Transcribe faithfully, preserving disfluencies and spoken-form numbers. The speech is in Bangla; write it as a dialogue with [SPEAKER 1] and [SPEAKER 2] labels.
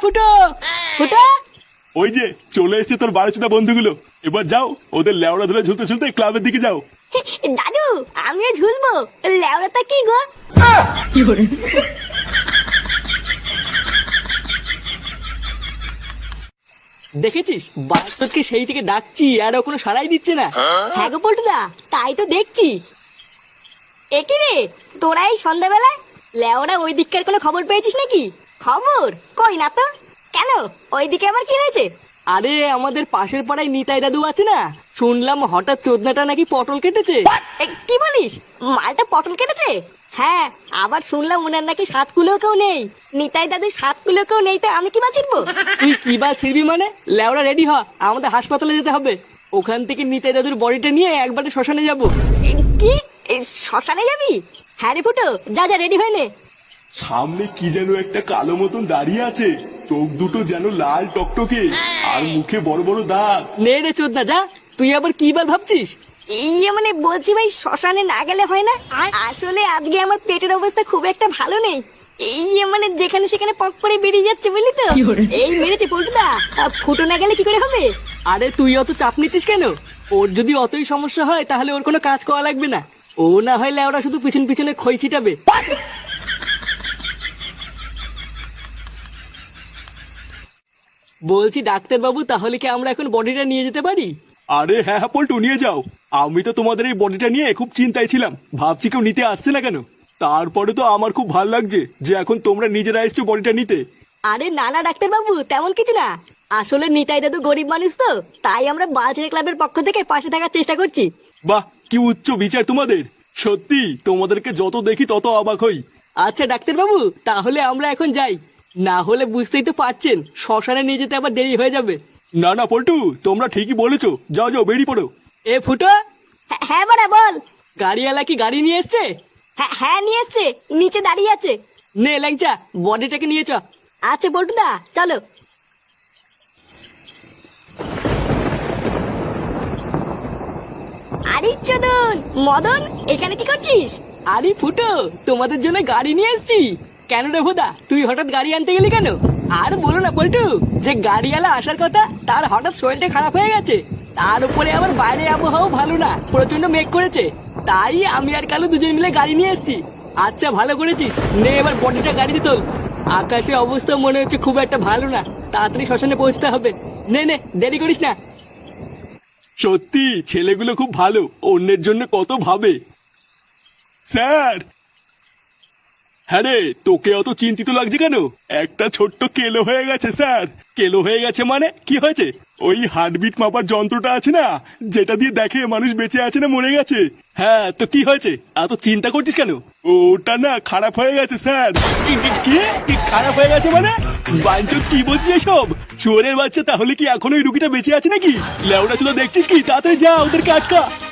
[SPEAKER 1] ফুটো ফুটো।
[SPEAKER 2] ওই যে চলে এসেছে তোর বারোচোদা বন্ধুগুলো। এবার যাও, ওদের লেওড়া ধরে ঝুলতে ঝুলতে ক্লাবের দিকে যাও।
[SPEAKER 1] দাদু আমিও ঝুলবো। লেওড়াটা কি গো? দেখেছিস বাস্তবকে সেই থেকে ডাকছি আর ও কোনো সাড়াই দিচ্ছে না। হ্যাঁ গো পল্টুদা, তাই তো দেখছি। একই রে, তোরা এই সন্ধ্যাবেলায় লেওরা ওই দিককার কোনো খবর পেয়েছিস নাকি? খবর কই না তো। কেন, ওইদিকে আবার কি হয়েছে? আরে আমাদের পাশের পাড়ায় নিতাই দাদু আছে না, শুনলাম হঠাৎ চোদনাটা নাকি পটল কেটেছে। কি বলিস, মালটা পটল কেটেছে? হ্যাঁ, আবার শুনলাম ওনার নাকি সাত কুলেও কেউ নেই। নিতাই দাদু সাত কুলেও কেউ নেই, তো আমি কি বা ছিড়বো? তুই কি বা ছিড়বি মানে? লেওরা রেডি হ, আমাদের হাসপাতালে যেতে হবে। ওখান থেকে নিতাই দাদুর বডিটা নিয়ে একবারে শ্মশানে যাব। কি শ্মশানে যাবি? হ্যাঁ রে ফুটো, যা যা রেডি হয়ে নে।
[SPEAKER 2] সামনে কি যেন একটা কালো মতন দাঁড়িয়ে আছে, চোখ দুটো যেন লাল টকটকে, আর মুখে বড় বড় দাঁত।
[SPEAKER 1] নে রে চোদনা যা, তুই আবার কি বার ভাবছিস? ইয়ে মানে বলছি ভাই, শ্মশানে না গেলে হয় না? আসলে আজকে আমার পেটের অবস্থা খুব একটা ভালো নেই। এই মানে যেখানে সেখানে পক করে বেরিয়ে যাচ্ছে, বুঝলি তো? এই মেরেছে পল্টুদা, ফুটো না গেলে কি করে হবে? আরে তুই অত চাপ নিচ্ছিস কেন? ওর যদি অতই সমস্যা হয় তাহলে ওর কোনো কাজ করা লাগবে না। ও না হলে ওরা শুধু পিছন পিছনে খই ছিটাবে। বলছি ডাক্তার বাবু, তাহলে কি আমরা এখন বডিটা নিয়ে যেতে পারি?
[SPEAKER 2] আরে হ্যাঁ হ্যাঁ পল্টু, নিয়ে যাও। আমি তো তোমাদের এই বডিটা নিয়ে খুব চিন্তায় ছিলাম, ভাবছি কেউ নিতে আসছে না কেন। তারপরে তো আমার খুব ভালো লাগছে যে এখন তোমরা নিজেরা এসছো বডিটা নিতে।
[SPEAKER 1] আরে না না ডাক্তার বাবু, তেমন কিছু না। আসলে নিতাই দাদু গরিব মানুষ তো, তাই আমরা বালছেড়ে ক্লাবের পক্ষ থেকে পাশে থাকার চেষ্টা করছি।
[SPEAKER 2] বাহ, কি উচ্চ বিচার তোমাদের। সত্যি তোমাদেরকে যত দেখি তত অবাক হই।
[SPEAKER 1] আচ্ছা ডাক্তার বাবু, তাহলে আমরা এখন যাই, না হলে বুঝতেই তো পারছেন শ্মশানে নিয়ে যেতে আবার দেরি হয়ে যাবে।
[SPEAKER 2] না না পল্টু, তোমরা ঠিকই বলেছো, যাও যাও বেরিয়ে পড়ো।
[SPEAKER 1] এ ফুটো। হ্যাঁ বড়া বল। গাড়িওয়ালা কি গাড়ি নিয়ে এসছে? হ্যাঁ নিয়ে এসছে, নিচে দাঁড়িয়ে আছে। নে ল্যাংচা, বডিটাকে নিয়ে চ। আচ্ছা বল্টুদা চলো। আরে চোদন মদন, এখানে কি করছিস? আরে ফুটো, তোমাদের জন্য গাড়ি নিয়ে এসেছি। কেন রে ভোদা, তুই হঠাৎ গাড়ি আনতে গেলি কেন? আর বলো না পল্টু, যে গাড়িওয়ালা আসার কথা তার হঠাৎ শরীরটা খারাপ হয়ে গেছে। তার উপরে আবার বাইরে আবহাওয়া ভালো না, প্রচন্ড মেঘ করেছে। তাই আমি আর কালু দুজন মিলে গাড়ি নিয়ে এসেছি। আচ্ছা ভালো করেছিস, নে এবার বডিটা গাড়িতে তোল। আকাশের অবস্থা মনে হচ্ছে খুব একটা ভালো না, তাড়াতাড়ি শ্মশানে পৌঁছতে হবে। নে নে, দেরি করিস না।
[SPEAKER 2] সত্যি ছেলেগুলো খুব ভালো, অন্যের জন্য কত ভাবে। স্যার। হ্যাঁ রে, তোকে অত চিন্তিত লাগছে কেন? একটা ছোট্ট কেলো হয়ে গেছে স্যার। কেলো হয়ে গেছে মানে কি হয়েছে? ওই হার্টবিট মাপার যন্ত্রটা আছে না, যেটা দিয়ে দেখে মানুষ বেঁচে আছে না মরে গেছে। হ্যাঁ তো কি হয়েছে, এত চিন্তা করছিস কেন? ওটা না খারাপ হয়ে গেছে স্যার। কি কি খারাপ হয়ে গেছে মানে? বাঞ্চত কি বলছিস এসব? শুয়োরের বাচ্চা, তাহলে কি এখন ওই রুগীটা বেঁচে আছে নাকি? লেওড়া চুলো দেখছিস কি? তাড়াতাড়ি যা, ওদেরকে আটকা।